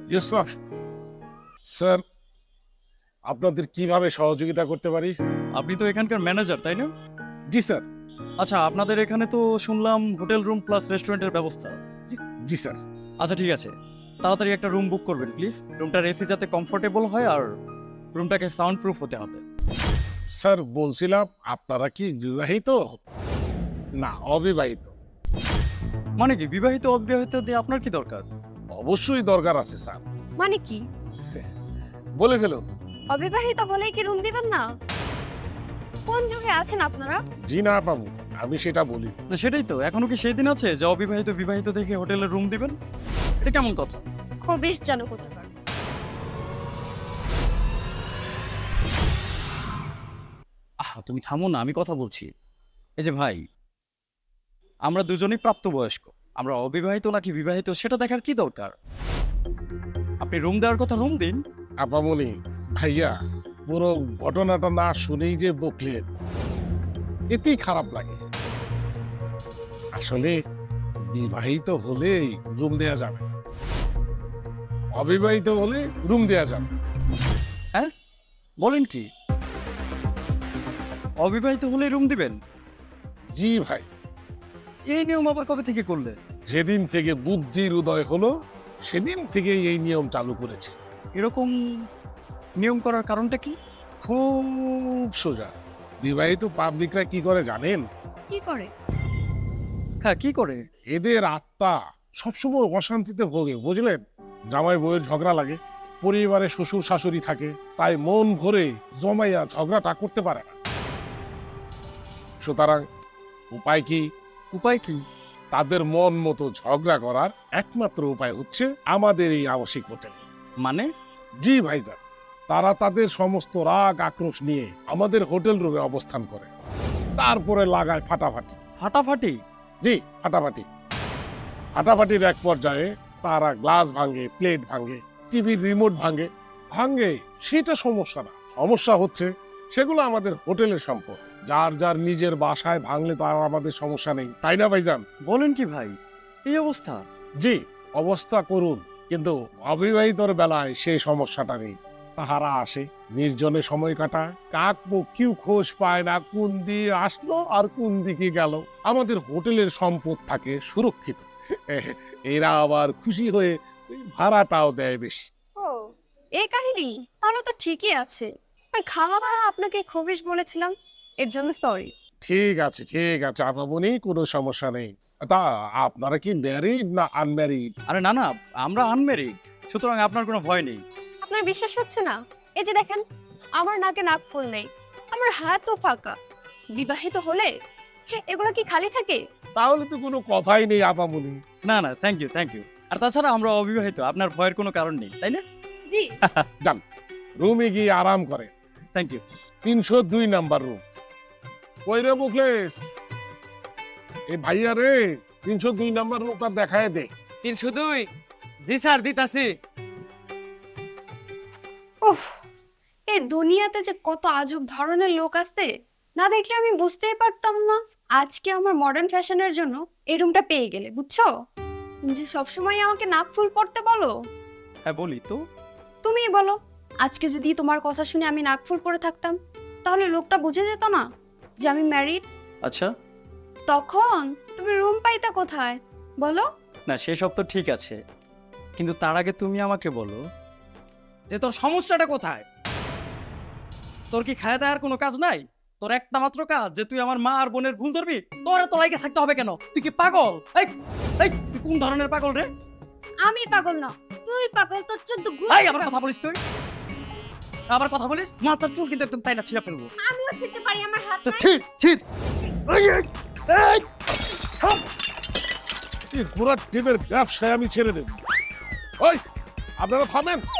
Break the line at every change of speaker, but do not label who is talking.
Yes sir. Sir, আপনাদের কিভাবে সহযোগিতা করতে পারি?
আপনি তো এখানকার ম্যানেজার, তাই না?
জি স্যার।
আচ্ছা, আপনাদের এখানে তো শুনলাম হোটেল রুম প্লাস রেস্টুরেন্টের ব্যবস্থা।
জি স্যার।
আচ্ছা ঠিক আছে, তাড়াতাড়ি একটা রুম বুক করবেন প্লিজ। রুমটার এসি যাতে কমফোর্টেবল হয় আর রুমটাকে সাউন্ড প্রুফ হতে হবে।
স্যার বলছিলাম, আপনারা কি বিবাহিত না অবিবাহিত?
মানে কি বিবাহিত অবিবাহিত দিয়ে আপনার কি দরকার?
অবশ্যই দরকার আছে স্যার।
মানে কি?
বলে ফেলুন।
অবিবাহিত হলেই কি রুম দিবেন না? কোন যুগে আছেন আপনারা?
জি না বাবু, আমি সেটা বলি।
না সেটাই তো, এখনো কি সেই দিন আছে যে অবিবাহিত বিবাহিত দেখে হোটেলের রুম দিবেন? এটা কেমন কথা?
ও বেশ জানো কোথাকার।
তুমি থামো না, আমি কথা বলছি। এই যে ভাই, আমরা দুজনেই প্রাপ্তবয়স্ক। আমরা অবিবাহিত নাকি বিবাহিত সেটা দেখার কি দরকার? আপনি রুম দেওয়ার কথা রুম দিন।
আপামনি ভাইয়া, পুরো ঘটনাটা না শুনেই যে বকলেন, এতেই খারাপ লাগে। আসলে বিবাহিত হলেই রুম দেয়া যাবে, অবিবাহিত হলে রুম দেয়া যাবে।
হ্যাঁ বলেন কি? অবিবাহিত হলে রুম দিবেন?
জি ভাই,
এই নিয়ম আবার কবে থেকে করলে?
যেদিন থেকে বুদ্ধির উদয় হলো সেদিন থেকে এই নিয়ম চালু করেছে।
এরকম নিয়ম করার কারণটা কি?
খুব সোজা। বিবাহিত পাবলিকরা কি করে জানেন?
কি করে?
হ্যাঁ কি করে?
এদের আত্মা সবসময় অশান্তিতে ভোগে, বুঝলেন? জামাই বউয়ের ঝগড়া লাগে, পরিবারে শ্বশুর শাশুড়ি থাকে, তাই মন ভরে জমাইয়া ঝগড়াটা করতে পারে না। সুতরাং উপায় কি?
উপায় কি?
তাদের মন মতো ঝগড়া করার একমাত্র উপায় হচ্ছে আমাদের এই আবাসিক হোটেল।
মানে?
জি ভাইজান, তারা তাদের সমস্ত রাগ আক্রোশ নিয়ে আমাদের হোটেল রুমে অবস্থান করে, তারপরে লাগায় ফাটাফাটি।
ফাটাফাটি?
জি, ফাটাফাটি। ফাটাফাটির এক পর্যায়ে তারা গ্লাস ভাঙে, প্লেট ভাঙে, টিভির রিমোট ভাঙে। ভাঙে সেটা সমস্যা না, সমস্যা হচ্ছে সেগুলো আমাদের হোটেলের সম্পদ। যার যার নিজের বাসায় ভাঙলে তো আর আমাদের সমস্যা নেই, তাই না ভাইজান?
বলেন কি ভাই, এই অবস্থা?
জি, অবস্থা করুন, কিন্তু অবিবাহিতর বেলায় সেই সমস্যাটা নেই। তাহারা আসে, নির্জনে সময় কাটায়, কাক পক্ষীও খোঁজ পায় না কোন দিয়ে আসলো আর কোন দিকে গেল। আমাদের হোটেলের সম্পদ থাকে সুরক্ষিত। এরা আবার খুশি হয়ে ভাড়াটাও দেয় বেশি।
ও এই কাহিনী, তাহলে তো ঠিকই আছে। আর খাওয়া দাওয়া আপনাকে খবিশ বলেছিলাম, এর জন্য সরি।
ঠিক আছে ঠিক আছে আপামনি, কোনো সমস্যা নেই। তা আপনারা কি ম্যারিড না আনম্যারিড?
আরে না না, আমরা আনমেরিড, সুতরাং আপনার কোনো ভয় নেই।
আপনার বিশ্বাস হচ্ছে না? এই যে দেখেন, আমার নাকে নাক ফুল নেই, আমার হাতও ফাঁকা। বিবাহিত হলে এগুলো কি খালি থাকে?
তাহলে তো কোনো কথাই নেই আপামনি।
না না, থ্যাংক ইউ থ্যাংক ইউ। আর তাছাড়া আমরা অবিবাহিত, আপনার ভয়ের কোনো কারণ নেই, তাই না?
জি।
যান, রুমে গিয়ে আরাম করে।
Thank you.
302 number room. কই রে মুখলেস, এই ভাইয়া রে, 302 নাম্বার রুমটা দেখায় দে।
302? জি স্যার, দিতাছি।
উফ, এই দুনিয়াতে যে কত আজব ধরনের লোক আছে, না দেখলে আমি বুঝতেই পারতাম না। আজকে আমার মডার্ন ফ্যাশনের জন্য এই রুমটা পেয়ে গেলে, বুঝছো? তুমি যে সবসময় আমাকে নাক ফুল পড়তে বলো।
হ্যাঁ বলি তো।
তুমিই বলো, আজকে যদি তোমার কথা শুনে আমি নাক ফুল পরে থাকতাম, তাহলে লোকটা বুঝে যেত না যে আমি ম্যারিড?
আচ্ছা,
তখন তুমি রুম পাইতা কোথায় বলো?
না সেসব তো ঠিক আছে, কিন্তু তার আগে তুমি আমাকে বলো
যে তোর সমস্যাটা কোথায়?
তোর কি খাওয়া দাওয়ার কোনো কাজ নাই? তোর একটা মাত্র কাজ যে তুই আমার মা আর বোনের ভুল ধরবি? তোর এত লাইকে থাকতে হবে কেন? তুই কি পাগল? এই এই তুই কোন ধরনের পাগল রে?
আমি পাগল না, তুই পাগল। তোর চোদ্দ
এই আবার কথা বলিস তুই? আবার কথা বলিস? মাথার চুল কিন্তু একদম তাইনা ছিঁড়ে ফেলবো।
আমিও ছিড়তে পারি, আমার হাত
তো ছিড় ছিড়। এই, এই, এই, থাম।
এই ঘোড়ার টিমের ব্যবসায় আমি ছেড়ে দেব। ওই, আপনারা থামেন।